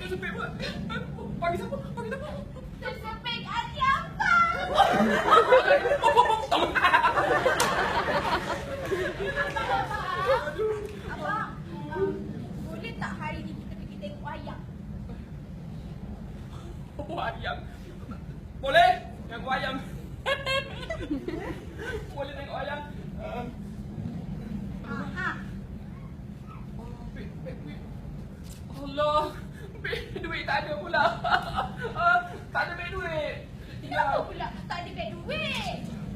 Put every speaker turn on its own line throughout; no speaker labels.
tersepit pula. Panggil siapa? Panggil siapa?
Tersepit hati abang. Abang, boleh tak hari ni kita pergi tengok wayang?
Wayang. Boleh? Tengok wayang. Boleh tengok wayang. Allah, duit tak ada pula. Tak ada duit.
Kenapa pula tak ada beg duit?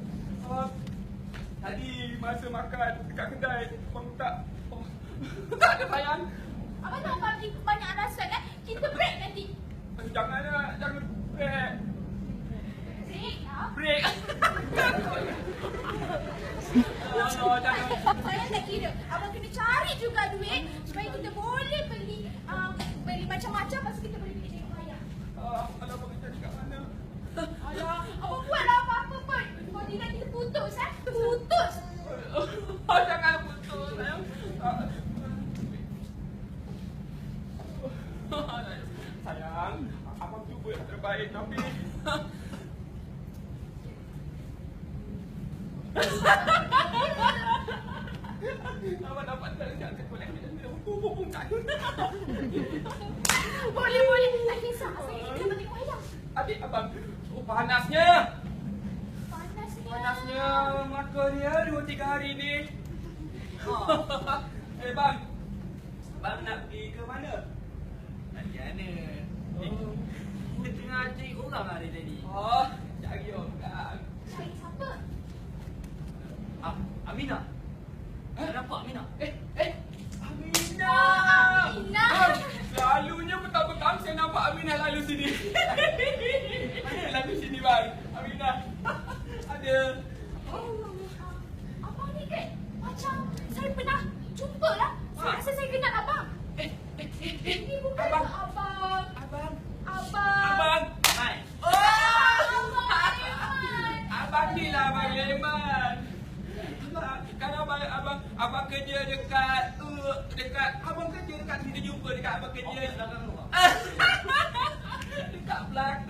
Tadi masa makan dekat kedai, abang tak ada sayang.
Abang tak bagi banyak alasan kita break nanti.
Jangan break.
Break lah.
Break. Allah, jangan.
Saya tak kira. Abang kena cari juga duit supaya kita boleh beli macam-macam masa kita boleh pergi tengok wayang.
Alah, abang cari kat mana?
Alah, abang buatlah apa-apa pun. Kalau tidak kita putus Putus.
Jangan putus, sayang. Sayang, abang cuba yang terbaik tapi abang dapat tak kolek dia hubung tak.
Boleh. Tak kisah. Saya ingin tengok wayang.
Adik abang, panasnya. Panasnya makanya 2-3 hari ni. Bang. Bang nak pergi ke mana?
Nanti mana? Kita tengah cari orang hari tadi.
Cari orang.
Cari siapa?
Aminah. Nampak Aminah?
Aminah.
Aminah.
Selalunya petang-petang saya nampak Aminah lalu sini. Lalu sini bang. Aminah. Ada.
Abang ni kan macam saya pernah jumpa lah. Saya rasa saya kenal abang. Ini bukan abang.
Abang.
Hai.
Abang Aiman.
Abang ni lah Abang Leman. Kan abang kerja dekat abang kerja dekat sini, jumpa dekat abang kerja.
Belakang tu.
Dekat belakang.